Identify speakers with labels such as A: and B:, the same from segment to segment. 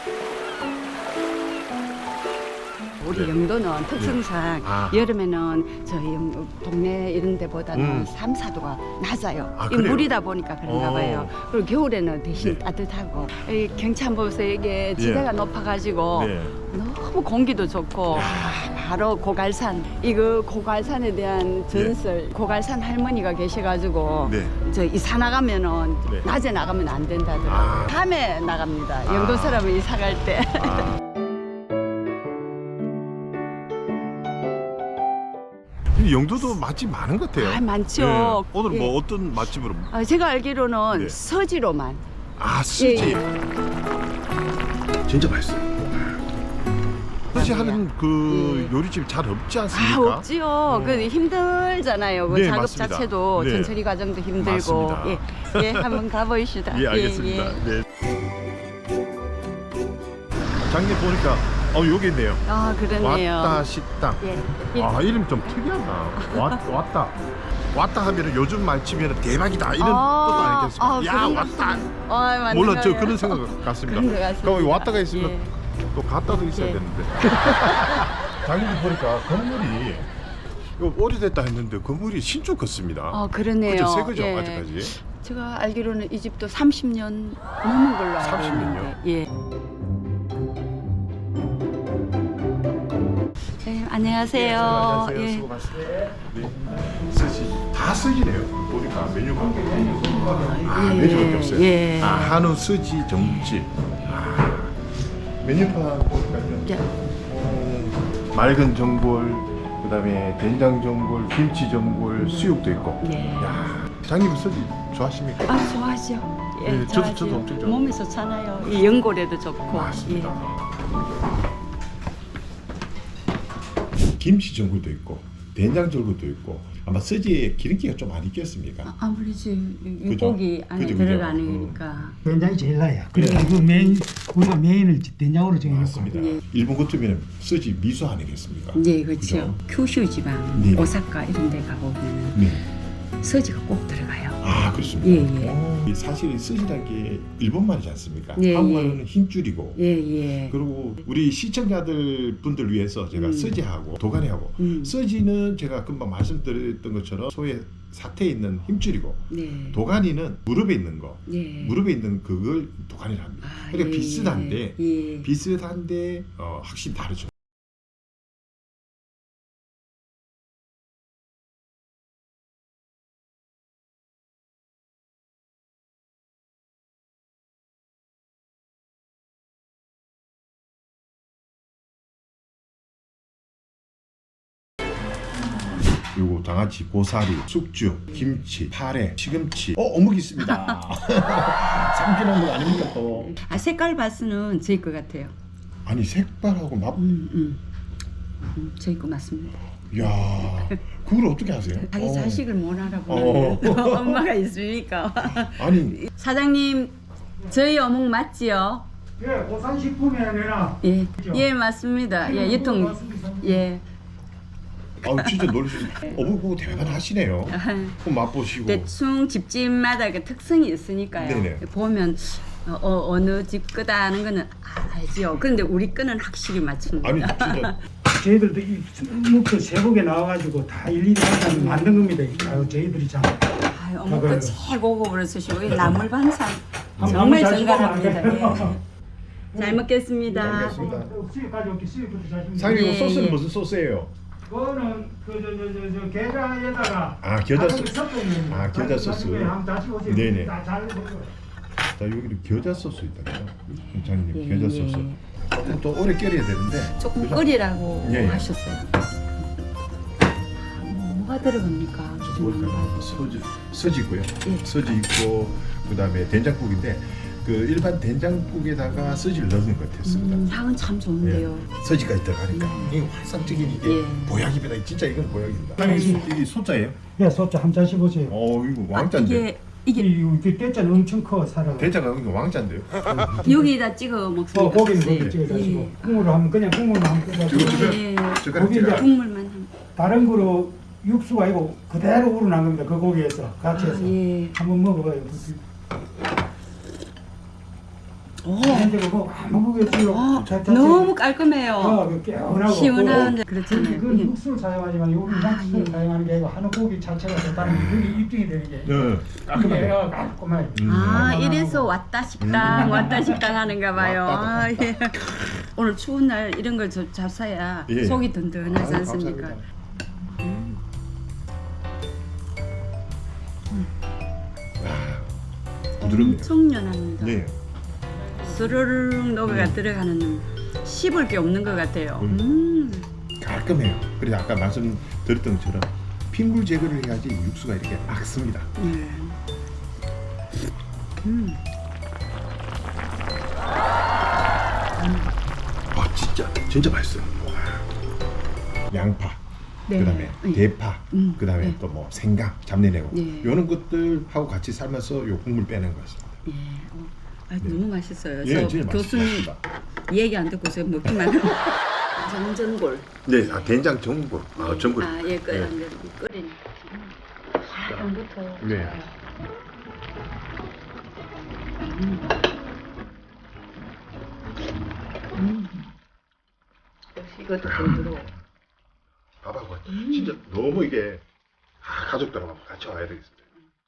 A: 우리 영도는 특성상 여름에는 저희 동네 이런 데보다는 3, 4도가 낮아요. 이
B: 그래요?
A: 물이다 보니까 그런가 봐요. 그리고 겨울에는 대신
B: 네.
A: 따뜻하고 이 경치보세요. 이게 지대가 높아가지고 너무 공기도 좋고 바로 고갈산. 이거 고갈산에 대한 전설. 고갈산 할머니가 계셔가지고 저 이사 나가면은 낮에 나가면 안 된다더라고요. 밤에 나갑니다. 영도 사람은 이사 갈 때.
B: 영도도 맛집 많은 것 같아요.
A: 많죠.
B: 오늘 뭐 어떤 맛집으로?
A: 제가 알기로는 서지로만.
B: 서지. 진짜 맛있어요. 서지 하는 그 요리집 잘 없지 않습니까?
A: 없지요. 그 힘들잖아요. 그 작업
B: 맞습니다.
A: 자체도 전처리 과정도 힘들고.
B: 맞습니다.
A: 예, 한번 가보시다.
B: 예, 알겠습니다. 네. 장님 보니까 여기 있네요.
A: 그러네요.
B: 왔다 식당. 이름 좀 특이하다. 왔다 하면은 요즘 말치면 대박이다 이런 뜻도 아니겠습니까? 야 왔다. 몰라 저 그런 생각 같습니다.
A: 그런 것 같습니다.
B: 그럼 왔다가 있으면 또 갔다도 있어야 되는데. 장님 보니까 건물이 이거 오래됐다 했는데 건물이 신축 같습니다.
A: 그러네요.
B: 그죠? 새 거죠 아직까지?
A: 제가 알기로는 이 집도 30년 넘은 걸로 알고
B: 30년 요?
A: 있는데. 안녕하세요.
B: 안녕하세요. 수고 많으세요. 서지 다 서지네요. 보니까 메뉴가 메뉴밖에 없어요. 한우 서지 정집. 메뉴판 보니까요. 맑은 전골, 그다음에 된장 전골, 김치 전골, 수육도 있고. 야, 장님 서지 좋아하십니까?
A: 좋아하죠.
B: 저도 엄청 좋아해요.
A: 몸에 좋잖아요. 이 연골에도 좋고.
B: 맞습니다. 김치 전골도 있고 된장 전골도 있고 아마 서지에 기름기가 좀 많이 있겠습니까?
A: 아무래도
B: 그죠?
A: 고기 안에
B: 그죠,
A: 들어가니까.
C: 된장이 제일 나아요. 그래서 우리가 메인을 된장으로 정해놓고.
B: 맞습니다. 일본 같으면 서지 미소 아니겠습니까?
A: 네, 그렇죠. 큐슈 지방, 오사카 이런 데 가보면 서지가 꼭 들어가요.
B: 그렇습니다. 사실 이 서지라는 게 일본말이지 않습니까? 한국말로는 힘줄이고. 그리고 우리 시청자들 분들 위해서 제가 서지하고 도가니하고 서지는 제가 금방 말씀드렸던 것처럼 소의 사태에 있는 힘줄이고 도가니는 무릎에 있는 거 무릎에 있는 그걸 도가니를 합니다. 그러니까 비슷한데 확실히 다르죠. 그리고 장아찌, 고사리, 숙주, 김치, 파래, 시금치, 어묵 있습니다. 상편한 거 아닙니까 또?
A: 색깔 봐서는 저희 거 같아요.
B: 아니 색깔하고 맛.
A: 저희 거 맞습니다.
B: 야, 그걸 어떻게 하세요?
A: 자기 자식을 못 알아보는 엄마가 있으니까.
B: 아니
A: 사장님, 저희 어묵 맞지요?
C: 고산식품이 아니라.
A: 맞습니다. 유통.
B: 진짜 놀라시네. 어묵 보고 대단하시네요. 그럼 맛보시고.
A: 대충 집집마다 그 특성이 있으니까요. 보면 어느 집 거다 하는 거는 알지요. 그런데 우리 거는 확실히 맞춥니다.
B: 아니 진짜.
C: 저희들도 이 어묵도 세곡에 나와가지고 다 일일이 한잔 만든 겁니다. 저희들이 참.
A: 어묵도 최고급으로 쓰시고 나물 반찬 정말 정갈합니다. 잘 먹겠습니다.
C: 수육 가져올게. 수육부터 잘 좀.
B: 사장님 이거 소스는 무슨 소스예요?
C: 그거는 저 게장에다가
B: 겨자 소스. 겨자 소스. 네네. 자 여기는 겨자 소스 있다. 장님 겨자 소스. 조금 더 오래 끓여야 되는데.
A: 조금 끓이라고 하셨어요. 뭐가 들어갑니까?
B: 서지 있고요. 서지 있고 그다음에 된장국인데 그 일반 된장국에다가 서지를 넣는 것 같았습니다.
A: 향은 참 좋은데요.
B: 서지까지 들어가니까 이게 환상적인 이게 보약입니다. 진짜 이건 보약입니다. 이게 소자예요?
C: 네, 소자 한 잔씩 보세요.
B: 이거 왕자인데.
C: 이게 대자는 엄청 커 살아.
B: 대자가 이거 왕자인데요?
A: 여기다 찍어 먹습니다.
C: 고기는 거기 찍어가지고 국물로 하면 그냥 국물만 하면
B: 젓가락
A: 국물만 하면.
C: 다른 거로 육수가 아니고 그대로 우러난 겁니다. 그 고기에서 같이 해서 한번 먹어봐요. 근데 그거 아무 그겠어요.
A: 너무 깔끔해요.
C: 그 개운하고
A: 시원한데 그렇잖아요.
C: 그건 육수를 사용하지만 우리 육수를 사용하는 게 아니고 하는 고기 자체가 좋다는 게 여기 입증이 되는 게
B: 깔끔하게.
C: 깔끔하게.
A: 이래서 왔다 식당 왔다 식당 하는가 봐요.
B: 왔다
A: 예. 오늘 추운 날 이런 걸 잡사야
B: 예.
A: 속이 든든하지
B: 아유,
A: 않습니까?
B: 감사합니다. 부드럽네요.
A: 엄청 연합니다.
B: 네.
A: 스르륵 녹아가 들어가는 씹을 게 없는 것 같아요.
B: 깔끔해요. 그래서 아까 말씀드렸던 것처럼 핏물 제거를 해야지 육수가 이렇게 막 씁니다. 진짜 맛있어요. 와. 양파,
A: 네.
B: 그다음에
A: 네.
B: 대파, 그다음에
A: 네.
B: 또 뭐 생강, 잡내내고
A: 네.
B: 이런 것들하고 같이 삶아서 요 국물 빼는 거였습니다.
A: 예. 너무 맛있어요.
B: 예,
A: 저
B: 진짜
A: 교수님
B: 맛있습니다.
A: 얘기 안 듣고 저 먹기만 하고. 정전골.
B: 네, 된장 전골, 전골.
A: 예, 끓인.
B: 네.
A: 부터.
B: 네.
A: 역시 이것도 부드러워.
B: 밥하고 진짜 너무 이게 가족들하고 같이 와야 되겠습니다.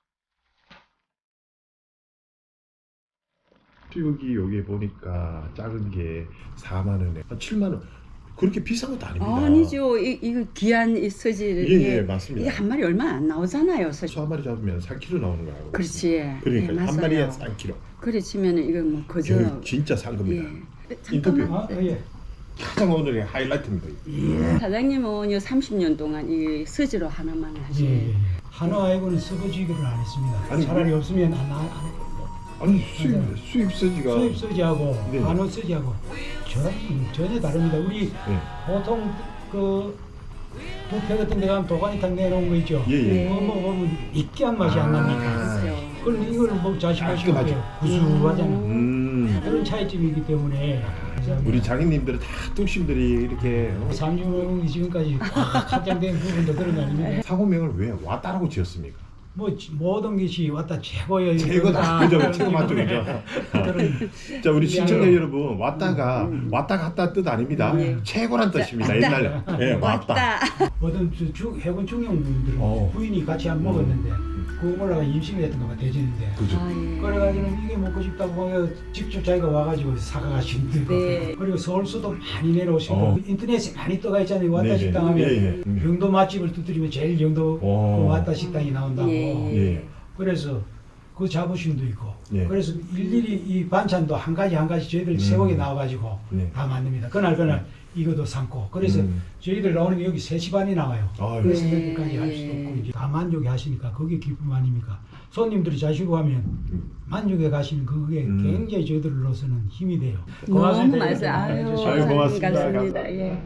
B: 수육이 여기 보니까 작은 게 4만 원에 한 7만 원. 그렇게 비싼 것도 아닙니다.
A: 아니죠. 이거 귀한 이 서지를
B: 예, 맞습니다.
A: 이게 한 마리 얼마 안 나오잖아요. 서지.
B: 소 한 마리 잡으면 4kg 나오는 거 알고.
A: 그렇지.
B: 그러니까
A: 예,
B: 한
A: 맞아요.
B: 마리에 3kg.
A: 그래 치면 이거 뭐 그저
B: 진짜 산 겁니다.
A: 잠깐만.
B: 인터뷰.
C: 예.
B: 가장 오늘의 하이라이트입니다.
A: 사장님은 이 30년 동안 이 서지로 하나만 하시.
C: 예. 한우 아이고는 서거지기를 안 했습니다.
B: 아니,
C: 차라리 없으면
B: 아니 수입 서지가
C: 수입 서지하고
B: 네.
C: 한우 서지하고 전혀 다릅니다. 우리
B: 네.
C: 보통 그 뷔페 같은 데 가면 도가니탕 내놓은 거 있죠.
B: 예, 예.
C: 그거 먹으면 느끼한 맛이 안 납니까?
A: 그렇죠.
C: 그럼 이걸 뭐 자식하시고
B: 깔끔하죠.
C: 구수하잖아요. 그런 차이점이기 때문에
B: 우리 장인님들은 다 뚝심들이 이렇게
C: 삼중이 지금까지 확장된 부분도 그런 거 아닙니까?
B: 사고명을 왜 왔다라고 지었습니까?
C: 뭐 모든 것이 왔다 최고의
B: 최고다. 그죠? 최고 맞죠?
C: 그런
B: 자, 우리 시청자 여러분, 왔다 갔다 뜻 아닙니다. 최고란 뜻입니다. 옛날에. 예, 왔다.
C: 모든 해군 중령분들은 부인이 같이 안 먹었는데 그 올라가 임신이 됐던 거가 대전인데
B: 그죠?
C: 그래가지고는 이게 먹고 싶다고 하면 직접 자기가 와가지고 사가가신 분들
A: 네.
C: 그리고 서울서도 많이 내려오시고 인터넷에 많이 떠가 있잖아요. 왔다
B: 네,
C: 식당 하면
B: 예, 예.
C: 영도 맛집을 두드리면 제일 영도 그 왔다 식당이 나온다고
B: 예.
C: 그래서 그 자부심도 있고
B: 예.
C: 그래서 일일이 이 반찬도 한 가지 저희들 새벽에 나와가지고
B: 예.
C: 다 만듭니다. 그날 이것도 삶고 그래서 저희들 나오는 게 여기 3시 반에 나와요.
B: 아유.
C: 그래서 그렇게까지 할 수도 없고 이제 다 만족해 하시니까 그게 기쁨 아닙니까? 손님들이 자시고 하면 만족해 가시는 그게 굉장히 저희들로서는 힘이 돼요.
A: 너무 맛있어요.
C: 아유,
B: 아유, 고맙습니다.
A: 감사합니다. 예.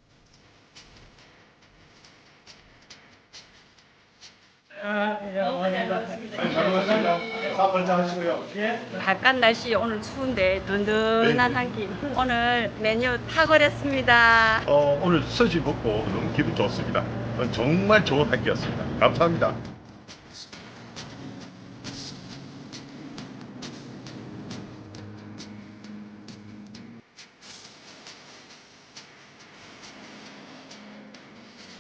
B: 잘 먹었습니다. 사업 잘 하시고요.
A: 바깥 날씨 오늘 추운데 든든한 한 끼. 오늘 메뉴 탁월했습니다.
B: 오늘 서지 먹고 너무 기분 좋습니다. 정말 좋은 한 끼였습니다. 감사합니다.